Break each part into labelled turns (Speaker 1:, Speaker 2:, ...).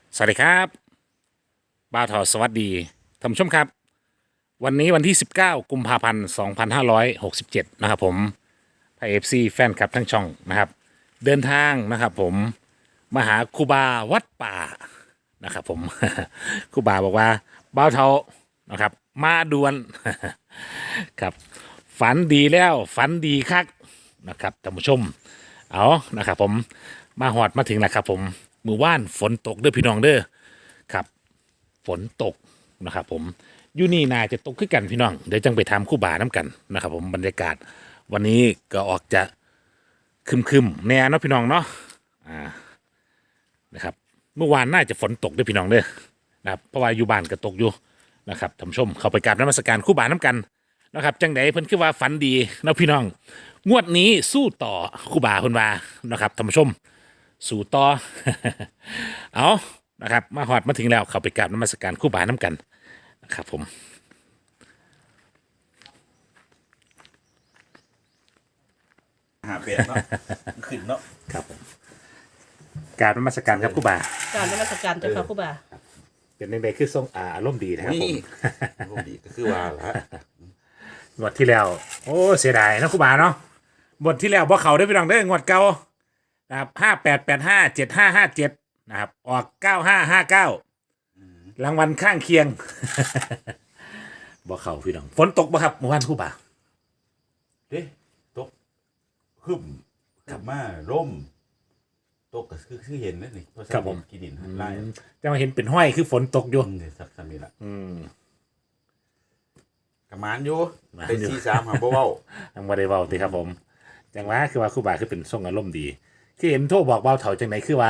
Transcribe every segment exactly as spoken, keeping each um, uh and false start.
Speaker 1: สวัสดีครับบ้าวทอสวัสดีท่านผู้ชมครับวันนี้วันที่สิบเก้ากุมภาพันธ์สองพันห้าร้อยหกสิบเจ็ดนะครับผมไทยเอฟซีแฟนคลับทั้งช่องนะครับเดินทางนะครับผมมาหาครูบาวัดป่านะครับผม ครูบาบอกว่าบ้าวเทานะครับมาด่วน ครับฝันดีแล้วฝันดีคักนะครับท่านผู้ชมเอานะครับผมมาหอดมาถึงแล้วครับผมมือว่านฝนตกเด้อพี่น้องเด้อครับฝนตกนะครับผมอยู่นี่นาจะตกขึ้นกันพี่น้องเดี๋ยวจังไปทำคู่บ่าน้ำกันนะครับผมบรรยากาศวันนี้ก็ออกจะคึมคึมๆแน่เนาะพี่น้องเนาะอ่านะครับเมื่อวานน่าจะฝนตกเด้อพี่น้องเด้อนะครับเพราะว่าอยู่บ้านก็ตกอยู่นะครับท่านผู้ชมเข้าไปกราบนมัสการคู่บ่าน้ำกัน นะครับจังไดเพิ่นคือว่าฝันดีเนาะพี่น้องงวดนี้สู้ต่อครูบาเพิ่นว่านะครับท่านผู้ชมสู้ต่อ เอานะครับมาฮอดมาถึงแล้วเข้าไปกราบนมัสการครูบาน้ำกันนะครับผม
Speaker 2: หาเปลี่ยนเนาะขึ้นเนาะ
Speaker 1: ครับผมกราบนมัสการครับครูบา
Speaker 3: การนมัสการเจ้าค่ะครูบา
Speaker 1: เป็นจังไดคือทรงอ่าอารมณ์ดีนะครับผม
Speaker 2: รูปดีก็คือว่าละ
Speaker 1: งวดที่แล้วโอ้เสียดายนะครูบาเนาะงวดที่แล้วบ่เขาได้อพี่น้องเด้องวดเก่านะครับห้าแปดแปดห้าเจ็ดห้าห้าเจ็ดนะครับออกเก้าห้าห้าเก้ารางวัลข้างเคียง บ่เขาพี่น้องฝนตกบ่ครับเมื่อวานครูบา
Speaker 2: เด้ตกขึ้นขึ้นมาร่มตกก็คือคือเห็นนั่นนี่เพราะฉะนั้นกินดินหันไล่
Speaker 1: จะมาเห็นเป็นห้อยคือฝนตกอยู่
Speaker 2: อืมเดี๋ยวสักสามีละ
Speaker 1: อืม
Speaker 2: กระมานอยู่
Speaker 1: หมานอยู่
Speaker 2: เป็นซีสามหาบ่เว้า
Speaker 1: ยังบ่ได้เว้าติครับผมจังว่าคือว่าครูบาคือเป็นทรงอารมณ์ดีคือเห็นโทรบอกเบาเถาจังไหนคือว่า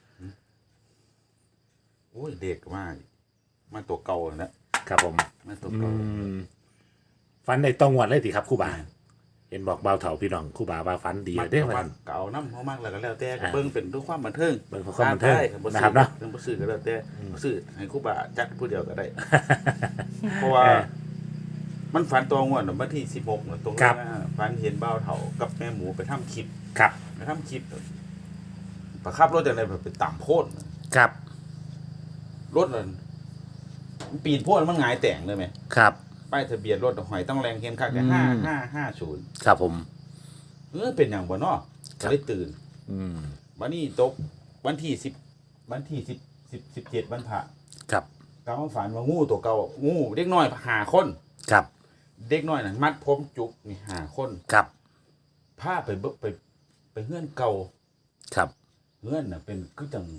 Speaker 2: โอ้ยเด็กมากมาตัวเก่านะครับ
Speaker 1: ผม
Speaker 2: มาตัว
Speaker 1: อื
Speaker 2: เก่าม
Speaker 1: ฟันในตองวดเลยติครับครูบาเห็นบอกเบาเถาพี่น้องครูบาว่าฟันดี
Speaker 2: มั
Speaker 1: เด้อ
Speaker 2: วั
Speaker 1: วัน น
Speaker 2: เก่าน้ำเขามากแล้วก็แล้วแต่ก็เบิ่งเป็นด้วยความบันเทิง
Speaker 1: เบิ่งเพื่อความบันเทิง
Speaker 2: ได้บ่
Speaker 1: นะครับเนาะ
Speaker 2: เรื่องบ่ซื้อก็แล้วแต่บ่ซื้อให้ครูบาจัดผู้เดียวก็ได้ เพราะว่า
Speaker 1: เออ
Speaker 2: มันฝันตัวงวดน่ะวันที่สิบหกน่ะตรง
Speaker 1: ครั
Speaker 2: นั้
Speaker 1: บ
Speaker 2: นน่ะฝันเห็นบ่าวเฒ่ากับแม่หมูไปทำคลิป
Speaker 1: ครับ
Speaker 2: ไปทำคลิปประคับรถจังได๋แบบไปต่ำโพด
Speaker 1: ครับ
Speaker 2: รถนั่นมันปีนโพดมันหงายแต่งเลยไหม
Speaker 1: ครับ
Speaker 2: ป้ายทะเบียนรถหอยต้องแรงเห็นคักแต่ห้าห้าห้าศูนย์
Speaker 1: ครับผม
Speaker 2: เออเป็นอย่างบ่เนาะก็เลยตื่น
Speaker 1: อืม
Speaker 2: วันนี้ตกวันที่สิบวันที่สิบสิบสิบเจ็ดวันพระ
Speaker 1: ครับ
Speaker 2: กำลังฝันว่างูตัวเก่างูเด็กน้อยหาคน
Speaker 1: ครับ
Speaker 2: เด็กน้อยน่ะมัดผมจุกนี่หาคน
Speaker 1: ครับ
Speaker 2: พาไปเบิกไปไปเฮือนเก่า
Speaker 1: ครับ
Speaker 2: เฮือนน่ะเป็นคือจัง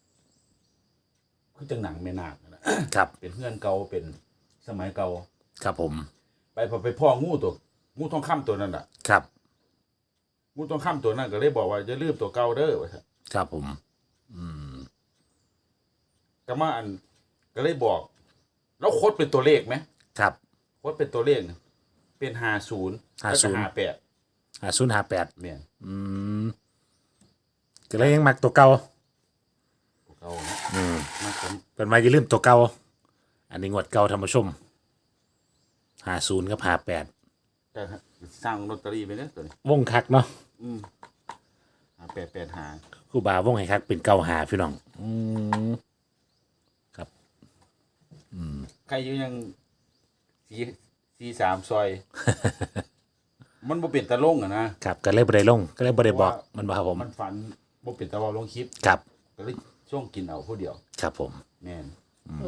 Speaker 2: คือจังหนังแม่นาคนั่นน่ะ
Speaker 1: ครับ
Speaker 2: เป็นเฮือนเก่าเป็นสมัยเก่า
Speaker 1: ครับผม
Speaker 2: ไปพอไปพ่องูตัวงูทองคำตัวนั้นน่ะ
Speaker 1: ครับ
Speaker 2: งูทองคำตัวนั้นก็เลยบอกว่าจะลืมตัวเก่าเด้อว่าซั่น
Speaker 1: ครับผมอืม
Speaker 2: ก็มาอันก็เลยบอก แล้วโคดเป็นตัวเลขไหม
Speaker 1: ครับ
Speaker 2: โคดเป็นตัวเลขน่ะเป็นห้าศูนย์แล้วก็
Speaker 1: 50
Speaker 2: ห้าแปด
Speaker 1: ห้าศูนย์ห้าแปด
Speaker 2: แม่น
Speaker 1: อืมก็เลยยังมักตัวเก่า
Speaker 2: ตัวเก่านะ
Speaker 1: อืม
Speaker 2: มาผม
Speaker 1: เป็นมาอย่าลืมตัวเก่าอันนี้งวดเก่าธรรมชมห้าศูนย์กับห้าแปด
Speaker 2: จะสร้างลอตเตอรี่ไปเนี่ยตัวนี้
Speaker 1: วงคักเนาะ
Speaker 2: อืมห้าแปดแปดหา
Speaker 1: ครูบาวงให้คักเป็นเก่าหาพี่น้อง อืมครับ
Speaker 2: ใครอยู่ยังสี่สี่สามซอย มันบ่เป็นตะลงอะนะครับ
Speaker 1: ก็เลยบ่ได้ลง ก็เลยบ่ได้บอกมันบ่ครับผม
Speaker 2: มันฝันบ่เป็นตะเวาลงคลิป
Speaker 1: ครับ
Speaker 2: ก็เลยช่วงกินเอาผู้เดียว
Speaker 1: ครับผม
Speaker 2: แม่น
Speaker 3: โอ้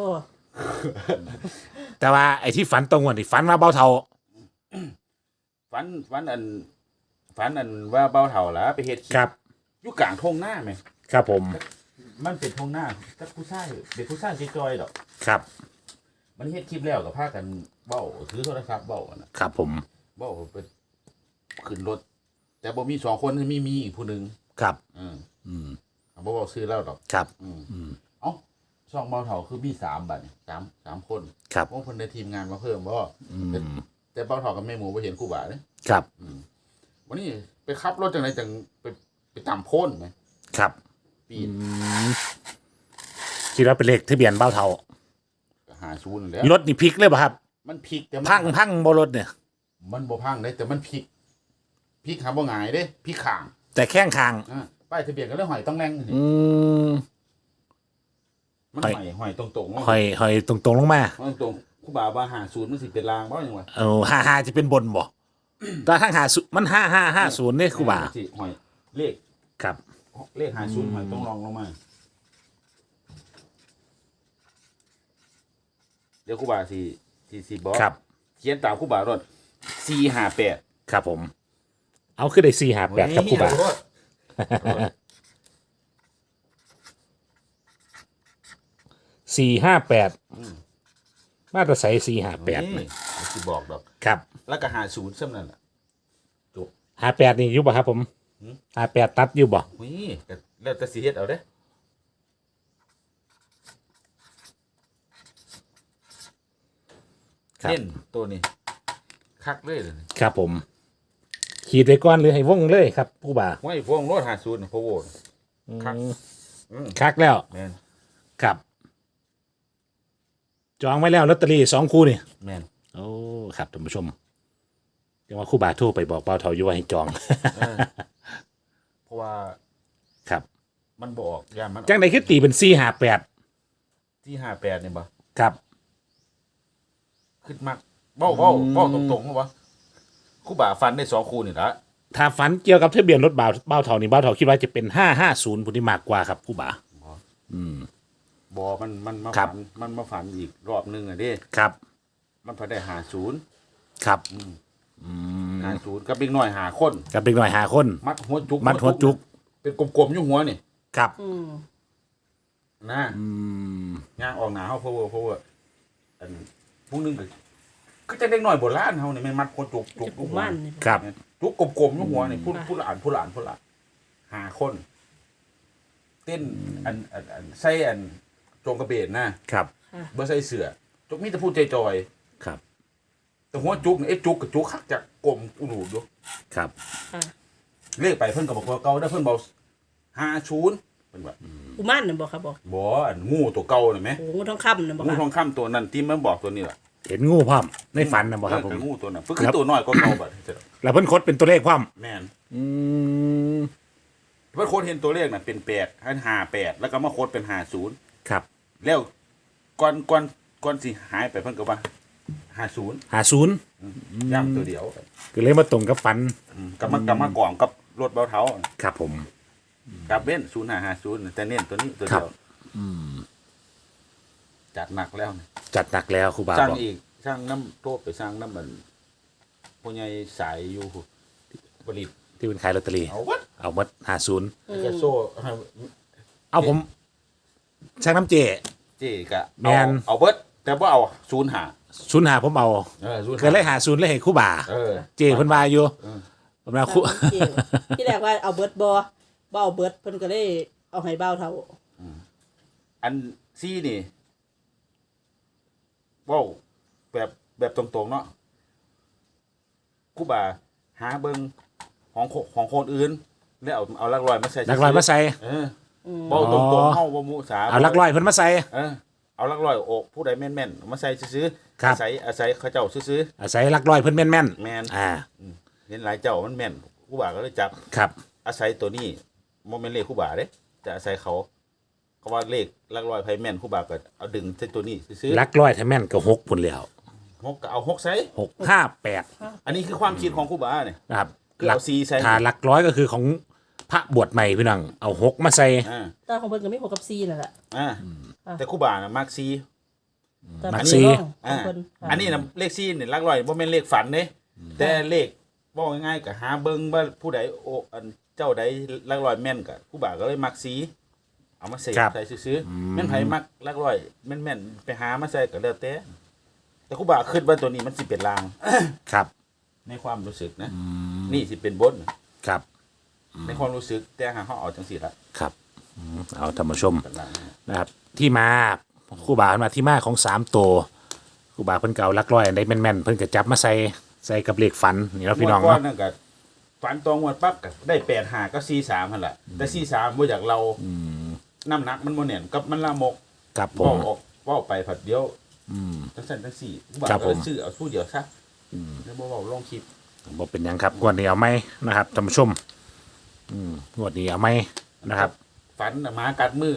Speaker 1: แต่ว่าไอ้ที่ฝันตรงวันที่ฝันว่าเบาเทา
Speaker 2: ฝันฝันอันฝันอันว่าเบาเฒ่าล่ะไปเฮ็ดคลิป
Speaker 1: ครับ
Speaker 2: อยู่กลางทุ่งนาแม่
Speaker 1: ครับผม
Speaker 2: มันเป็นทุ่งนาจักผู้ชายเป็นผู้ชายจอยๆดอก
Speaker 1: ครับ
Speaker 2: มันเฮ็ดคลิปแล้วก็พากันเว้าถือโทรศัพท์เว้าอะน่ะ
Speaker 1: ครับผม
Speaker 2: เว้าไปขึ้นรถ แต่บ่มีสองคนมีมีอีกผู้หนึง
Speaker 1: ครับ
Speaker 2: เออ
Speaker 1: อืม
Speaker 2: บ่เว้าชื่อแล้วดอก
Speaker 1: ครับ
Speaker 2: อืม
Speaker 1: อืม
Speaker 2: เอ้าช่องเบาเถาคือมีสามบัดนี่สามสามคน
Speaker 1: ครับ
Speaker 2: พวกเพิ่นได้ทีมงานมาเพิ่มบ่
Speaker 1: อื
Speaker 2: แต่
Speaker 1: ม
Speaker 2: แต่เบาเถากับแม่หมูบ่เห็นครูบาเด้
Speaker 1: ครับ
Speaker 2: วันนี้ไปขับรถจังไดจังไปไปตามโพ้นไหม
Speaker 1: ครับ
Speaker 2: ปี
Speaker 1: อื
Speaker 2: น
Speaker 1: มคิดว่าเป็นเลขทะเบียนเบาเทา
Speaker 2: หาศูนย์แล้ว
Speaker 1: รถนี่พลิกเลยป่ะครับ
Speaker 2: มันพลิกแต่มัน
Speaker 1: พังพังบ่รถเนี่ย
Speaker 2: มันบ่พังได้แต่มันพลิกพลิกหาบ่หงายเด้พลิกข้าง
Speaker 1: แต่แข้งคาง
Speaker 2: อ่าป้ายทะเบียนก็เลยหอยต้องแรงนี่
Speaker 1: อืม
Speaker 2: มัน
Speaker 1: หอย
Speaker 2: หอยหอยตรงๆ
Speaker 1: หอยหอยตรงๆลงมา
Speaker 2: หอยตรงๆครูบาว่าหาศูนย์มันสิเป็นรางบ่ยังวะ
Speaker 1: เอาห้าห้าจะเป็นบนบ่แต่ทั้งหาศูนย์มันห้าห้าห้าศูนย์เนี่ยครูบา
Speaker 2: สิหอยเลข
Speaker 1: ครับ
Speaker 2: เลขหาศูนย์หอยต้องลองลงมาเดี๋ยวครูบาสิสิสิบอก
Speaker 1: ครับ
Speaker 2: เขียนตามครูบารถสี่ห้าแปด
Speaker 1: ครับผม เอาขึ้นได้สี่หาแปดครับครูบาสี่ห้าแปดมาตรใส่สี่ห้าแปด
Speaker 2: นี่สิบอกดอก
Speaker 1: ครับ
Speaker 2: แล้วก็หาศูนย์ซ้ำนั่นแหละ
Speaker 1: ห้าแปดนี่อยู่บ่ครับผมห้าแปดตัดอยู่บ่
Speaker 2: นี่ก็แล้วแต่สิเฮ็ดเอาเด้
Speaker 1: ครับ
Speaker 2: เน้นตัวนี้คักเลยเลย
Speaker 1: ครับผม ขีดไว้ก่อนหรือให้วงเลยครับครูบา
Speaker 2: ห้วยพวงรถหาศูนย์พะโวคัก อืม
Speaker 1: คักแล้ว
Speaker 2: แม่น
Speaker 1: ครับ จองไว้แล้วลอตเตอรี่สองคู่นี่
Speaker 2: แม่น
Speaker 1: โอ้ครับท่านผู้ชมเดี๋ยวว่าครู่บาโทรไปบอกเป้าเทาอยู่ว่าให้จอง
Speaker 2: เออเพราะว่า
Speaker 1: ครับ
Speaker 2: มันบอกยามมัน
Speaker 1: จังใดคือตีเป็นสี่หาแปด
Speaker 2: ที่ห้าแปดเนี่ยบ่
Speaker 1: ครับ
Speaker 2: ขึ้นมากเบ้าเบ้าเบ้าตรงๆเหรอวะครู่บ่าฟันได้สองคู่นี่ละ
Speaker 1: ถ้าฝันเกี่ยวกับทะเบียนรถบ่าวเบ้าเทานี่เบ้าเทาคิดว่าจะเป็นห้าห้าศูนย์ผู้ที่มากกว่าครับครู่บา
Speaker 2: บอมันมันมา
Speaker 1: ครั
Speaker 2: ฝั
Speaker 1: บ
Speaker 2: นมันมาฝันอีกรอบหนึงอ่ะเด้
Speaker 1: ครับ
Speaker 2: มันพอได้หาศูนย์
Speaker 1: ครับ
Speaker 2: หาศูนย์กับเด็กน้อยหาคน
Speaker 1: กับเด็กหน่อยหาคน
Speaker 2: มัดหัวจุก
Speaker 1: มัดหัวจุก
Speaker 2: เป็นกลมๆอยู่หัวนี่
Speaker 1: ครับ
Speaker 3: อืม
Speaker 2: นะ
Speaker 1: อืม
Speaker 2: ย่างออกหนาเฮาเพราะว่าเพราะว่าอันพวกนึงก็ก็จะเด็กน้อยโบราณเฮานี่แม่นมัดหัวจุกจุก
Speaker 3: จะ
Speaker 2: อยู่
Speaker 3: ปู
Speaker 2: หัว
Speaker 3: มันนี่
Speaker 1: ครับ
Speaker 2: จุกกลมๆอยู่หัวนี่พูด
Speaker 3: ค่ะ
Speaker 2: พูดละอ่านพูดละอ่านพูดละหาคน เต้นอันอันอันใส่อันโจงกระเบนนะครับ
Speaker 3: ค่ะ
Speaker 2: บ่ใส่เสื้อจุกมีแต่พูดจอย
Speaker 1: ครับ
Speaker 2: ๆแต่หัวจุกนี่ไอ้จุกกับจุกคักจากกลมอุดูอยู่
Speaker 1: ครับ
Speaker 3: ค่ะ
Speaker 2: เลขไปเพิ่นก็บอกว่าเก่าได้อเพิ่นบอกห้าศูนย์เพิ่นว่า
Speaker 3: ปูมันน่ะบอกครับบอก
Speaker 2: บ่อันงูตัวเก่าน่ะแหม
Speaker 3: โอ้งูทองคำน่ะบอก
Speaker 2: งู
Speaker 3: ค่ะ
Speaker 2: ทองคำตัวนั้นที่มันบอกตัวนี้ล่ะ
Speaker 1: เห็นงูพร้อมในฝันนะบ่ครับผม
Speaker 2: เอองูตัวนั้นเพิ่นคือตัวน้อยกว่าเก่าบัด
Speaker 1: แล้วเพิ่นคดเป็นตัวเลขพร้อม
Speaker 2: แม่น
Speaker 1: อืม
Speaker 2: เพิ่นโคดเห็นตัวเลขน่ะเป็นแปดให้ห้าแปดแล้วก็มาโคดเป็นห้าศูนย์
Speaker 1: ครับ
Speaker 2: แล้วก่อนก่อนก่อนสิหายไปเพิ่นก็ว่าห้าศูนย์
Speaker 1: หาศูนย์
Speaker 2: ย่ำตัวเดียว
Speaker 1: ก็เลยมาตรงกับฝัน
Speaker 2: อืมกับมากลับมากล่องกับรถเบาเท้า
Speaker 1: ครับผม
Speaker 2: กับเบ้นศูนย์ห้าห้าศูนย์แต่เน้นตัวนี้ตัวเดียวจัดหนักแล้วนี่
Speaker 1: จัดหนักแล้วครูบา
Speaker 2: สร้าง
Speaker 1: บอก
Speaker 2: อีกสร้างน้ำโทษไปสร้างน้ำมันผู้ใหญ่สายอยู่ผลิต
Speaker 1: ที่เป็นขายลอตเตอรี่
Speaker 2: เอาวัด
Speaker 1: เอาหมดหาศูนย์
Speaker 2: กระโซ่ให้
Speaker 1: เอาผมช่างน้ำเจ
Speaker 2: เจ๊กะ
Speaker 1: แม่
Speaker 2: เอา
Speaker 1: น
Speaker 2: เอาเบิดแต่ว่าเอาศูนย์หา
Speaker 1: ศูนย์หาผมเอา
Speaker 2: เออศูนย์
Speaker 1: เกิดเลยหาศูนย์เลยให้ครู่บา
Speaker 2: เออ
Speaker 1: เจเพิ่นว่าอยู่
Speaker 2: เออ
Speaker 1: ผมว่าครู่
Speaker 3: จริงที่แรกว่าเอาเบิร์ดบอบ่เอาเบิร์ดเพิ่นก็เลยเอาให้เบ้าเท่า
Speaker 2: อันซี่นี่เว้าแบบแบบตรงๆเนาะครู่บาหาเบิงของคนของคนอื่นแล้วเอาเอาลักลอยมาใส่
Speaker 1: ลักลอยมาใส่
Speaker 2: เออเว้าตรงๆเฮาบ่มุสา
Speaker 1: เอาลักลอยเพิ่นมาใส่
Speaker 2: เออเอาลักลอยโอกผู้ใดแม่นๆเอามาใส่ซื้อๆ
Speaker 1: ครับ
Speaker 2: อาศัยอาศัยเขาเจ้าซื้อ
Speaker 1: อาศัยลักลอยเพิ่นแม่นแม่น
Speaker 2: ๆแม่น
Speaker 1: อ่า
Speaker 2: เห็นหลายเจ้ามันแม่นครู่บาก็เลยจับ
Speaker 1: ครับ
Speaker 2: อาศัยตัวนี้บ่แม่นเลขครู่บาเด้แต่อาศัยเขาเขาว่าเลขลักลอยไผแม่นครู่บาก็เอาดึงใส่ตัวนี้ซื้อ
Speaker 1: ลักลอยถ้าแม่นก็หกพุ่นแล้ว
Speaker 2: ๆหกก็เอาหกใส่
Speaker 1: หกห้าแปด
Speaker 2: อันนี้คือความคิดของครู่บาเนี่ย
Speaker 1: นะครับ
Speaker 2: คือเอาสี่ใส่
Speaker 1: ถ้าหลักร้อยก็คือของพระบวชใหม่พี่น้องเอาหกมาใส่
Speaker 2: อ่า
Speaker 3: ตาของเพิ่นก็มีหกกับซีนั่นแหละ
Speaker 2: อ่า
Speaker 3: อ่ะ
Speaker 2: แต่ครู่บาน่ะมักซี
Speaker 3: แต่
Speaker 1: มั
Speaker 3: มั
Speaker 1: ก
Speaker 3: น
Speaker 1: ซี
Speaker 3: มีร่องขอ
Speaker 2: อ่าง
Speaker 3: เพิ่นค่ะ
Speaker 2: อันนี้น่ะเลขซีนี่ลักลอยบ่แม่นเลขฝันเด้แต่เลขบอกง่ายๆก็หาเบิ่งว่าผู้ใดโอ้อันเจ้าใดลักลอยแม่นก็ครู่บาก็เลยมักซีเอามาใส่
Speaker 1: ครับ
Speaker 2: ใส่ซื้อๆแม่นไผมักลักลอยแม่นๆไปหามาใส่ก็แล้วแต่แต่ครู่บาคิดว่าตัวนี้มันสิเป็นลาง
Speaker 1: ครับ
Speaker 2: ในความรู้สึกนะนี่สิเป็นบน
Speaker 1: ครับ
Speaker 2: ในความรู้สึกแต่หาเขาเอาจังสิละ
Speaker 1: ครับอืมเอาธรรมชม
Speaker 2: เป็นลาง
Speaker 1: นะครับ ที่มาครู่บาเพิ่นมาที่มาของสามตัวครู่บาเพิ่นเก่าลักร้อยอันใดแม่นๆเพิ่นก็จับมาใส่ใส่กับเลขฝันนี่เนาะพี่น้อง
Speaker 2: งวดก่
Speaker 1: เนาะ
Speaker 2: นั่นก็ฝันตองงวดปั๊บก็ได้แปดหาก็สี่สามหั่นแหละแต่สี่สามบ่อยากเราน้ำหนักมันบ่แน่นกับมันละมก
Speaker 1: ครับผ
Speaker 2: เว้าม ออกเว้าไปผัดเดียว
Speaker 1: อืม
Speaker 2: จังซั่นจังสี่บ่า
Speaker 1: ครับ
Speaker 2: ก็
Speaker 1: ผม
Speaker 2: ซื้อเอาผู้เดียวซะแล้วบ่เว้าลงคลิป
Speaker 1: บ่เป็นหยังครับงวดนี้เอาไหมนะครับท่านผู้ชมอืมงวดนี้เอาไหมนะครับ
Speaker 2: ฝันน่ะหมากัดมือน่ะ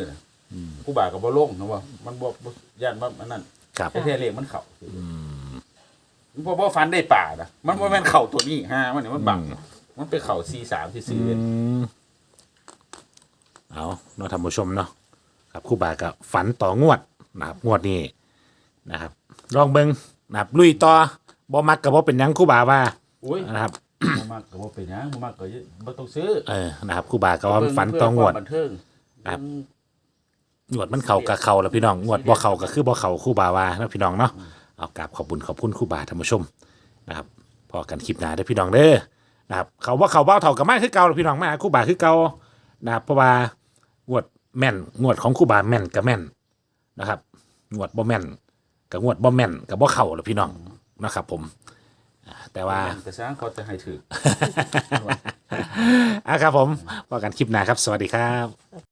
Speaker 2: ครูบาก็บ่ลงนะว่ามันบ่บ่ย่านว่ามันนั่น
Speaker 1: ครับ
Speaker 2: แต่แท้เลขมันเข้ามันบ่บ่ฟันได้ป่านะมันบ่แม่นเข้าตัวนี้ฮะมันนี่มันบังมันไปเข้าสี่สามที่สี่เลย
Speaker 1: อืมเอาเนาะท่านผู้ชมเนาะครับครู่บากับฝันต่องวดนะครับงวดนี้นะครับลองเบิงนะครับลุยต่อบ่มักกับบ่เป็นหยังครู่บาว่า
Speaker 2: อุ้ย
Speaker 1: นะครับ
Speaker 2: บ่มักก็บ่เป็นหยังบ่มักก็บ่ต้องซื้อ
Speaker 1: เออนะครับครู่บากับว่าฝันต่องวด
Speaker 2: เพื่ความบันเทิง
Speaker 1: ครับ งวดมันเข่ากับเข่าแล้วพี่น้องงวดบ่เข่าก็คือบ่เข่าครู่บาว่านะพี่น้องเนาะเอากราบขอบคุณขอบคุณครู่บาท่านผู้ชมนะครับพอกันคลิปหน้าเด้อพี่น้องเด้อนะครับเขาว่าเขาเบ้าเท่ากับมาคือเก่าพี่น้องมาครู่บาคือเก่านะครับเพราะว่างวดแม่นงวดของครู่บาแม่นกับแม่นนะครับงวดบ่แม่นกับงวดบ่แม่นกับบ่เข่าแล้วพี่น้องนะครับผมอ่าแต่ว่า
Speaker 2: แต่สร้างเขาจะให้ถือ
Speaker 1: อ่ะครับผมพอกันคลิปหน้าครับสวัสดีครับ